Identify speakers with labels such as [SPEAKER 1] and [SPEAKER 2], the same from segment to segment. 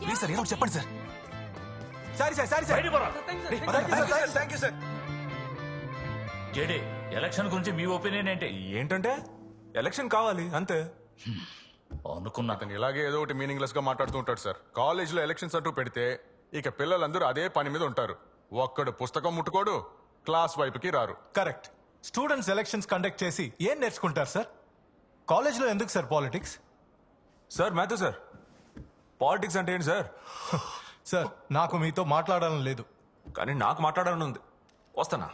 [SPEAKER 1] Please sir ఏదో ఒకటి చెప్పండి sir. Sorry sir, sorry sir. Thank you sir.
[SPEAKER 2] JD, election గురించి మీ ఒపీనియన్ ఏంటి?
[SPEAKER 1] ఏంటంటే ఎలక్షన్ కావాలి అంతే.
[SPEAKER 2] అనుకున్నా.
[SPEAKER 3] అతను ఇలాగే ఏదో ఒకటి మీనింగ్లెస్ గా మాట్లాడుతూ ఉంటాడు సార్. కాలేజ్ లో ఎలక్షన్స్ అంటూ పెడితే ఇక పిల్లలందరూ అదే పని మీద ఉంటారు. ఒక్కడు పుస్తకం ముట్టుకోడు, క్లాస్ వైపుకి రారు.
[SPEAKER 4] కరెక్ట్. స్టూడెంట్స్ ఎలక్షన్స్ కండక్ట్ చేసి ఏం నేర్చుకుంటారు సార్? కాలేజ్లో ఎందుకు సార్ పాలిటిక్స్?
[SPEAKER 1] సార్ మాతో సార్, పాలిటిక్స్ అంటే ఏంటి సార్?
[SPEAKER 4] సార్ నాకు మీతో మాట్లాడాలని లేదు.
[SPEAKER 1] కానీ నాకు మాట్లాడాలని ఉంది. వస్తానా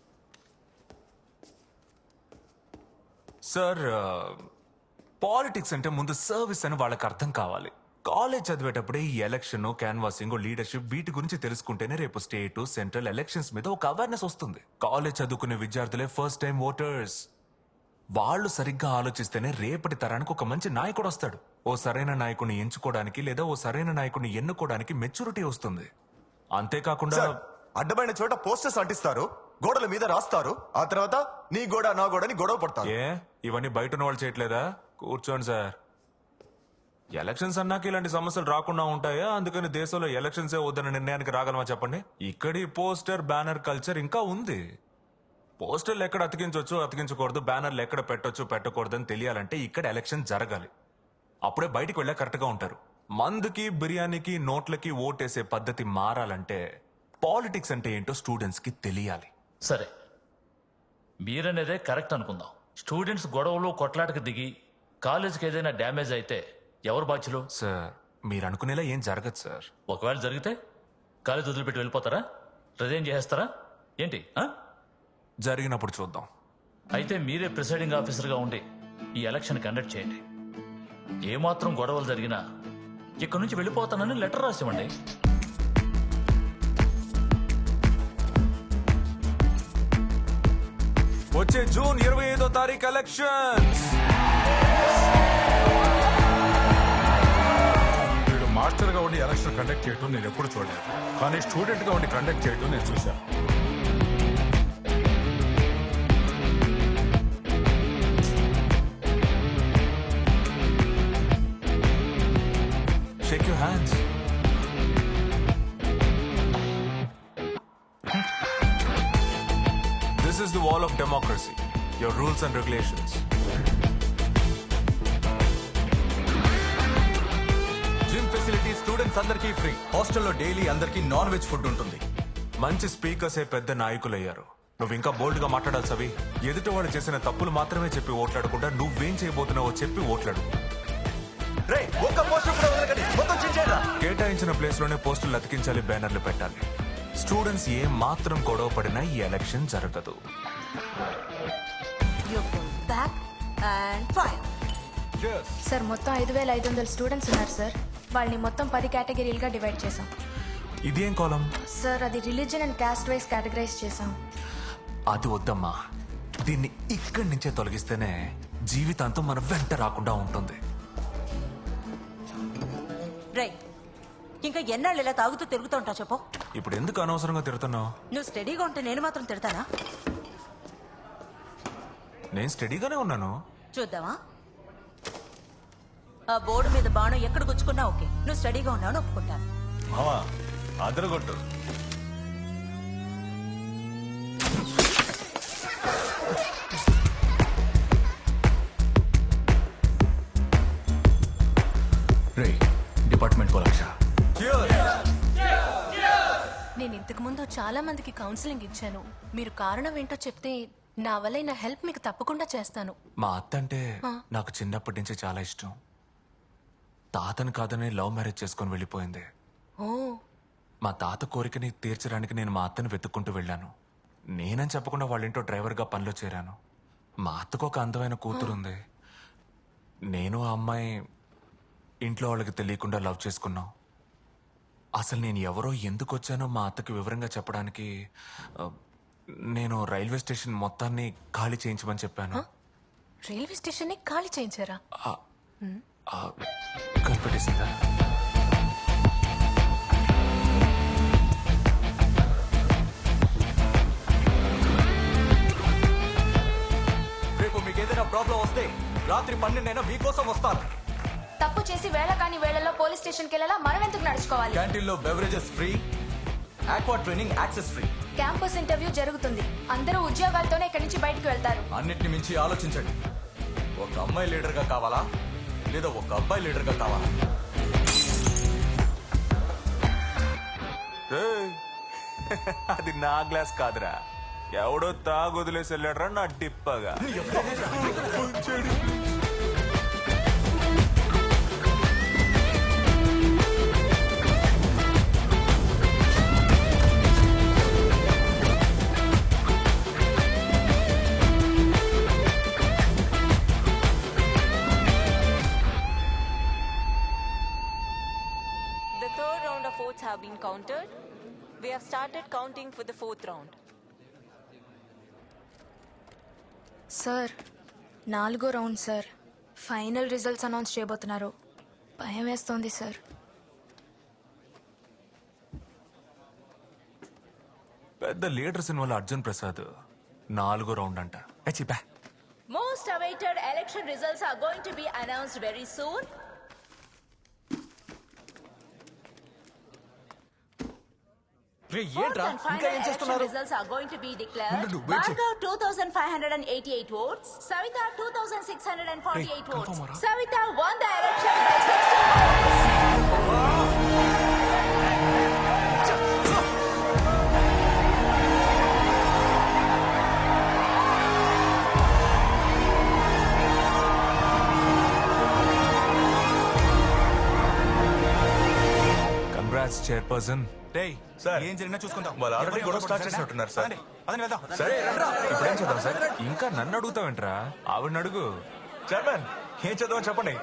[SPEAKER 1] సార్? పాలిటిక్స్ అంటే ముందు సర్వీస్ అని వాళ్ళకి అర్థం కావాలి. కాలేజ్ చదివేటప్పుడే ఈ ఎలక్షన్, క్యాన్వాసింగ్, లీడర్షిప్ వీటి గురించి తెలుసుకుంటేనే రేపు స్టేట్, సెంట్రల్ ఎలక్షన్స్ మీద ఒక అవేర్నెస్ వస్తుంది. కాలేజ్ చదువుకునే విద్యార్థులే ఫస్ట్ టైం ఓటర్స్. వాళ్ళు సరిగ్గా ఆలోచిస్తేనే రేపటి తరానికి ఒక మంచి నాయకుడు వస్తాడు. ఓ సరైన నాయకుడిని ఎంచుకోవడానికి లేదా ఓ సరైన నాయకుడిని ఎన్నుకోవడానికి మెచ్యూరిటీ వస్తుంది. అంతేకాకుండా
[SPEAKER 5] అడ్డమైన చోట పోస్టర్స్ అంటిస్తారు, గోడల మీద రాస్తారు, ఆ తర్వాత నీ గోడ నా గోడని గొడవ పడతారు.
[SPEAKER 1] ఏ ఇవన్నీ బయట ఉన్న వాళ్ళు చేయట్లేదా? కూర్చోండి సార్. ఎలక్షన్స్ అన్నాక ఇలాంటి సమస్యలు రాకుండా ఉంటాయా? అందుకని దేశంలో ఎలక్షన్సే వద్దన్న నిర్ణయానికి రాగలమా చెప్పండి? ఇక్కడి పోస్టర్ బ్యానర్ కల్చర్ ఇంకా ఉంది. పోస్టర్లు ఎక్కడ అతికించవచ్చు, అతికించకూడదు, బ్యానర్లు ఎక్కడ పెట్టొచ్చు, పెట్టకూడదు అని తెలియాలంటే ఇక్కడ ఎలక్షన్ జరగాలి. అప్పుడే బయటికి వెళ్ళా కరెక్ట్ గా ఉంటారు. మందుకి, బిర్యానీకి, నోట్లకి ఓటేసే పద్ధతి మారాలంటే పాలిటిక్స్ అంటే ఏంటో స్టూడెంట్స్ కి తెలియాలి.
[SPEAKER 2] సరే, మీరనేదే కరెక్ట్ అనుకుందాం. స్టూడెంట్స్ గొడవలు కొట్లాటకు దిగి కాలేజీకి ఏదైనా డ్యామేజ్ అయితే ఎవరు బాధ్యులు?
[SPEAKER 1] సార్ మీరు అనుకునేలా ఏం జరగదు సార్.
[SPEAKER 2] ఒకవేళ జరిగితే కాలేజ్ వదిలిపెట్టి వెళ్ళిపోతారా? రిజైన్ చేసేస్తారా ఏంటి?
[SPEAKER 1] జరిగినప్పుడు చూద్దాం.
[SPEAKER 2] అయితే మీరే ప్రిసైడింగ్ ఆఫీసర్గా ఉండి ఈ ఎలక్షన్ కండక్ట్ చేయండి. ఏమాత్రం గొడవలు జరిగినా ఇక్కడి నుంచి వెళ్ళిపోతానని లెటర్ రాసివ్వండి.
[SPEAKER 1] వచ్చే జూన్ 25వ తారీఖు ఎలక్షన్స్.
[SPEAKER 3] వీడు మాస్టర్ గా ఉండి ఎలక్షన్ కండక్ట్ చేయటం నేను ఎప్పుడు చూడలేదు, కానీ స్టూడెంట్ గా ఉండి కండక్ట్ చేయటం నేను చూశాను.
[SPEAKER 1] Shake your hands. This is the wall of democracy. Your rules and regulations.
[SPEAKER 4] Gym facility students అందరికీ ఫ్రీ. హాస్టల్లో డైలీ అందరికీ నాన్ వెజ్ ఫుడ్ ఉంటుంది.
[SPEAKER 1] మంచి స్పీకర్సే పెద్ద నాయకులయ్యారు. నువ్వు ఇంకా బోల్డ్ గా మాట్లాడాలి సవి. ఎదుటివాడు చేసిన తప్పులు మాత్రమే చెప్పి ఓట్లాడకుండా నువ్వేం చేయబోతున్నావో చెప్పి ఓట్లాడు.
[SPEAKER 5] ఒక్క పోస్టర్ కూడా వదలకండి, మొత్తం చించేయండిరా.
[SPEAKER 1] కేటాయించిన ప్లేస్ లోనే పోస్టులు అతికించాలి, బ్యానర్లు పెట్టాలి. స్టూడెంట్స్ ఏ మాత్రం గొడవ పడినా ఈ ఎలక్షన్ జరగదు.
[SPEAKER 6] సార్ మొత్తం 5,500 స్టూడెంట్స్ ఉన్నారు సార్. వాళ్ళని మొత్తం 10 కేటగిరీలుగా డివైడ్ చేసాం.
[SPEAKER 1] ఇదేం కాలం?
[SPEAKER 6] సార్ అది religion and caste wise categorize చేసాం.
[SPEAKER 1] అది వద్దమ్మా. దీన్ని ఇక్కడి నుంచే తొలగిస్తేనే జీవితాంతం మన వెంట రాకుండా ఉంటుంది.
[SPEAKER 7] రై, ఇంకా ఎన్నాళ్ళు ఇలా తాగుతూ తిరుగుతూ ఉంటావు చెప్పు.
[SPEAKER 1] ఇప్పుడు ఎందుకు అనవసరంగా తిడుతున్నావు?
[SPEAKER 7] నువ్వు స్టడీగా ఉంటే నేను మాత్రం తిడతానా?
[SPEAKER 1] నేను స్టడీగానే ఉన్నాను.
[SPEAKER 7] చూద్దామా? ఆ బోర్డు మీద బాణం ఎక్కడ గుచ్చుకున్నా ఓకే, నువ్వు స్టడీగా ఉన్నావు ఒప్పుకుంటాను.
[SPEAKER 4] మావా అదరగొట్టు.
[SPEAKER 2] రే డిపార్ట్మెంట్ కో లక్ష.
[SPEAKER 6] నేను ఇంతకు ముందు చాలా మందికి కౌన్సిలింగ్ ఇచ్చాను. మీరు కారణం ఏంటో చెప్తే నా వల్ల నా హెల్ప్ మీకు తప్పకుండా చేస్తాను.
[SPEAKER 1] మా అత్త అంటే నాకు చిన్నప్పటి నుంచి చాలా ఇష్టం. తాతను కాదని లవ్ మ్యారేజ్ చేసుకొని వెళ్ళిపోయింది.
[SPEAKER 6] ఓ,
[SPEAKER 1] మా తాత కోరికని తీర్చడానికి నేను మా అత్తను వెతుక్కుంటూ వెళ్ళాను. నేనని చెప్పకుండా వాళ్ళ ఇంట్లో డ్రైవర్గా పనిలో చేరాను. మా అత్తకు ఒక అందమైన కూతురుంది. నేను ఆ అమ్మాయి ఇంట్లో వాళ్ళకి తెలియకుండా లవ్ చేసుకున్నాం. అసలు నేను ఎవరో ఎందుకు వచ్చానో మా అత్తకి వివరంగా చెప్పడానికి నేను రైల్వే స్టేషన్ మొత్తాన్ని ఖాళీ చేయించమని చెప్పాను.
[SPEAKER 6] రైల్వే స్టేషన్ ని ఖాళీ చేయించారా?
[SPEAKER 1] కనిపెట్టేసిందా?
[SPEAKER 4] రేపు మీకు ఏదైనా ప్రాబ్లం వస్తే రాత్రి 12 మీకోసం వస్తాను.
[SPEAKER 6] తప్పు
[SPEAKER 8] చేసి వేళ కాని వేళల్లో పోలీస్ స్టేషన్కి వెళ్ళాలా మనం ఎందుకు నడుచుకోవాలి?
[SPEAKER 4] క్యాంటీన్లో beverages free, aqua training access free.
[SPEAKER 8] Campus interview జరుగుతుంది. అందరూ ఉద్యోగాలతోనే ఇక్కడి నుంచి బయటకు వెళ్తారు.
[SPEAKER 4] అన్నిటిని మించి ఆలోచించండి. ఒక అమ్మాయి లీడర్ గా కావాలా లేదా ఒక అబ్బాయి లీడర్ గా కావాలా?
[SPEAKER 1] రేయ్, అది నా గ్లాస్ కాదురా, ఎవడో తాగొదిలేసి వెళ్ళాడరా నా డిప్పగా.
[SPEAKER 7] The third round of votes have been counted. We have started counting for the fourth round.
[SPEAKER 8] Sir 4వ round sir. Final results announce చేయబోతున్నారు. భయం వేస్తోంది సార్.
[SPEAKER 1] పెద్ద లీడర్ సినిమాలో అర్జున్ ప్రసాద్ 4వ రౌండ్ అంట. చిపా
[SPEAKER 7] Most awaited election results are going to be announced very soon. Fourth and final election results are going to be declared. Bhargav 2,588 votes. Savita 2,648 votes. Savita won the election by 60 votes.
[SPEAKER 1] Congrats chairperson.
[SPEAKER 5] Sir ఏం జరిగినా చూసుకుందాం. వాళ్ళు already గొడవ start చేసినట్టున్నారు sir. సరే ఇప్పుడేం చేద్దాం sir?
[SPEAKER 1] ఇంకా నన్ను అడుగుతావేంట్రా? ఆవిడని అడుగు.
[SPEAKER 5] చైర్మన్ ఏం చేద్దామని చెప్పండి.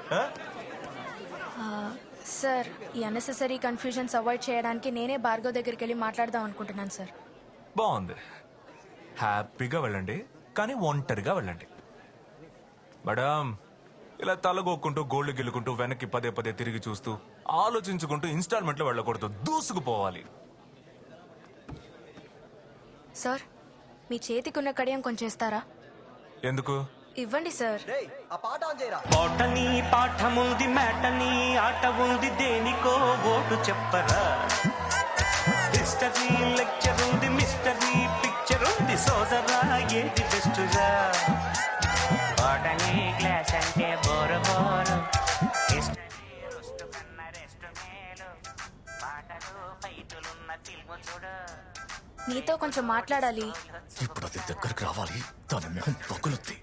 [SPEAKER 8] సార్ ఈ అన్నెసెసరీ కన్ఫ్యూజన్స్ అవాయిడ్ చేయడానికి నేనే భార్గవ్ దగ్గరికి వెళ్ళి మాట్లాడదాం అనుకుంటున్నాను సార్.
[SPEAKER 1] బాగుంది. హ్యాపీగా వెళ్ళండి, కానీ ఒంటరిగా వెళ్ళండి. మేడం, ఇలా తలగొక్కుంటూ గోల్డ్ గెలుకుంటూ వెనక్కి పదే పదే తిరిగి చూస్తూ ఆలోచించుకుంటూ ఇన్స్టాల్మెంట్ లో వెళ్ళకూడదు, దూసుకుపోవాలి.
[SPEAKER 8] సార్ మీ చేతికున్న కడియం కొంచెం ఇస్తారా?
[SPEAKER 1] ఎందుకు?
[SPEAKER 8] ఇవ్వండి సార్.
[SPEAKER 9] పాటని పాఠముంది మేటని ఆట ఉంది దేనికో ఓటు చెప్పరా. హిస్టరీ లెక్చర్ ఉంది మిస్టరీ పిక్చర్ ఉంది సోదరా ఏది బెస్టురా. పాటని క్లాస్ అంటే బోరు బోరు హిస్టరీ రుస్ట్ కన్నా రెస్ట్ మేలు పాటలు ఫైటులున్న ఫిల్ము చూడు.
[SPEAKER 8] నీతో కొంచెం మాట్లాడాలి.
[SPEAKER 4] ఇప్పుడు అది దగ్గరకు రావాలి, దాని మొహం పగులుద్ది.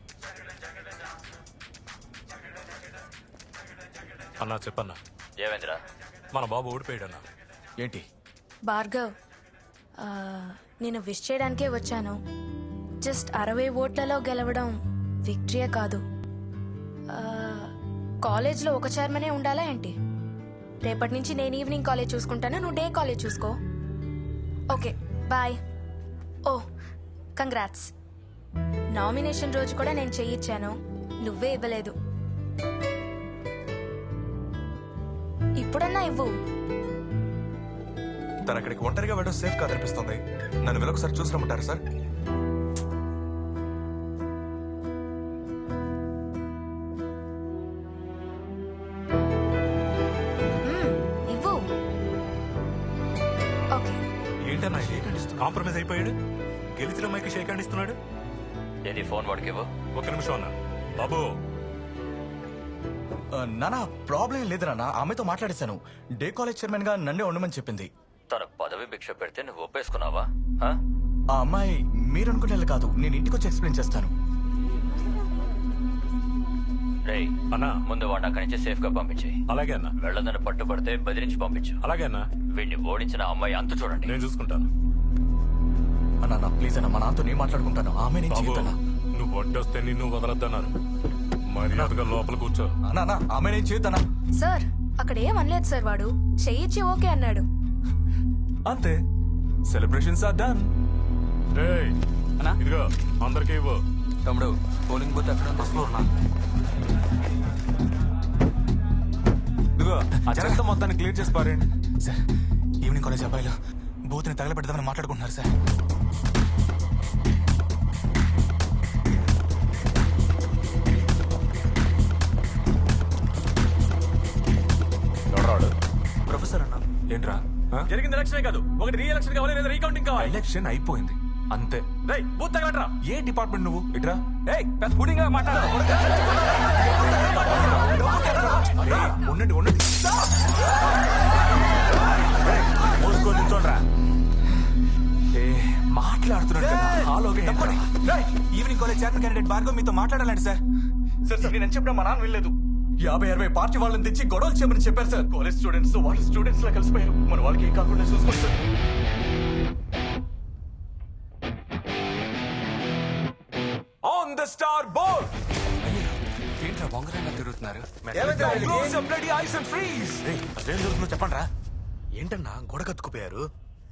[SPEAKER 10] అన్నా చెప్పన్నా.
[SPEAKER 2] ఏమైందిరా?
[SPEAKER 10] మన బాబు ఓడిపోయాడన్నా.
[SPEAKER 4] ఏంటి?
[SPEAKER 8] భార్గవ్ నేను విష్ చేయడానికే వచ్చాను. జస్ట్ 60 ఓట్లలో గెలవడం విక్టరీయే కాదు. కాలేజ్లో ఒక చైర్మనే ఉండాలా ఏంటి? రేపటి నుంచి నేను ఈవినింగ్ కాలేజ్ చూసుకుంటాను, నువ్వు డే కాలేజ్ చూసుకో. Okay bye. ఓ కంగ్రాట్స్. నామినేషన్ రోజు కూడా నేను చెయ్యిచ్చాను, నువ్వే ఇవ్వలేదు. ఇప్పుడన్నా ఇవ్వు.
[SPEAKER 5] తను అక్కడికి ఒంటరిగా వెళ్ళడం సేఫ్ కాదనిపిస్తుంది. నన్ను వెళ్ళొకసారి చూసి రమ్మంటారా సార్?
[SPEAKER 8] ఇవ్వు. ఓకే.
[SPEAKER 10] ఏంటన్నా కాంప్రమైజ్ అయిపోయాడు? గెలిచిన మైకి షేక్ హ్యాండ్ ఇస్తున్నాడు.
[SPEAKER 2] ఏది ఫోన్ వాడికి ఇవ్వు.
[SPEAKER 10] ఒక్క నిమిషం అన్నా. బాబు
[SPEAKER 4] నానా ప్రాబ్లం లేదు నాన్న, ఆమెతో మాట్లాడేశాను. డే కాలేజ్ చైర్మన్ గా నన్నే ఉండమని చెప్పింది.
[SPEAKER 2] తన పదవి భిక్ష పెడితే నువ్వు ఒప్పేసుకున్నావా?
[SPEAKER 4] ఆ అమ్మాయి మీరు అనుకునేలా కాదు, నేను ఇంటికి వచ్చి ఎక్స్ప్లెయిన్ చేస్తాను.
[SPEAKER 2] రేయ్
[SPEAKER 10] అన్నా,
[SPEAKER 2] ముందు వాడిని అక్కడి నుంచి సేఫ్ గా పంపించి.
[SPEAKER 10] అలాగే అన్నా.
[SPEAKER 2] వెళ్ళదని పట్టుబడితే బెదిరించి పంపించు.
[SPEAKER 10] అలాగే అన్నా.
[SPEAKER 2] వీడిని ఓడించిన అమ్మాయి అంత చూడండి.
[SPEAKER 10] నేను చూసుకుంటాను.
[SPEAKER 4] అన్నా ప్లీజ్ అన్న, మా నాన్నతో నేను మాట్లాడుకుంటాను. ఆమె నేను
[SPEAKER 10] బాబు
[SPEAKER 4] చేయొద్దన్నా.
[SPEAKER 10] నువ్వు వడ్డొస్తే నిన్ను వదలద్దన్నారు. మర్యాదగా లోపల కూర్చో.
[SPEAKER 4] అన్నా ఆమె నేను చేయొద్దన్నా.
[SPEAKER 8] సార్ అక్కడ ఏం అనలేదు సార్, వాడు చెయ్యిచ్చి ఓకే అన్నాడు.
[SPEAKER 1] అంతే, సెలబ్రేషన్స్ ఆర్ డన్.
[SPEAKER 10] రేయ్ ఇదిగో అందరికీ ఇవ్వు.
[SPEAKER 9] తమ్ముడు పోలింగ్ బూత్ ఎక్కడ బస్సులో ఉన్నా.
[SPEAKER 1] ఇదిగో ఆ చెత్త మొత్తాన్ని క్లియర్ చేసి పారేయండి.
[SPEAKER 5] సార్ ఈవినింగ్ కాలేజ్ అబ్బాయిలు బూత్ని తగలబెడదామని మాట్లాడుకుంటున్నారు సార్.
[SPEAKER 1] ఏంట్రా
[SPEAKER 10] జరిగింది ఎలక్షన్ కాదు, ఒకటి రీ ఎలక్షన్ కావాలి లేదా రీకౌంటింగ్ కావాలి.
[SPEAKER 1] ఎలక్షన్ అయిపోయింది అంతే.
[SPEAKER 10] రేయ్ బూత్ తగలట్రా.
[SPEAKER 1] ఏ డిపార్ట్మెంట్ నువ్వు ఇట్రా.
[SPEAKER 10] ఏయ్ పెద్ద పుడింగ్ గా మాట్లాడు.
[SPEAKER 1] ఉండండి ఉండండి. ఏ మాట్లాడుతున్నాడు కదా, హాలోగా ఏంట్రా?
[SPEAKER 10] Evening college chairman candidate Bhargav మీతో మాట్లాడాలండి సార్. సార్ నేను చెప్పినా మా నాన్న వెళ్ళలేదు. 50-60 పార్టీ వాళ్ళని తెచ్చి గొడవలు చేయమని చెప్పారు సార్. కాలేజ్ స్టూడెంట్స్ వాళ్ళు స్టూడెంట్స్ లా కలిసిపోయారు. మన వాళ్ళకి ఏం కాకుండా చూసుకోండి sir.
[SPEAKER 1] On the star board.
[SPEAKER 10] ఏంట్రా బొంగరంగా తిరుగుతున్నారు?
[SPEAKER 1] Close your bloody eyes and freeze.
[SPEAKER 10] అసలు ఏం జరుగుతుందో చెప్పండి రా. ఏంటన్నా గొడవ కత్తుకుపోయారు?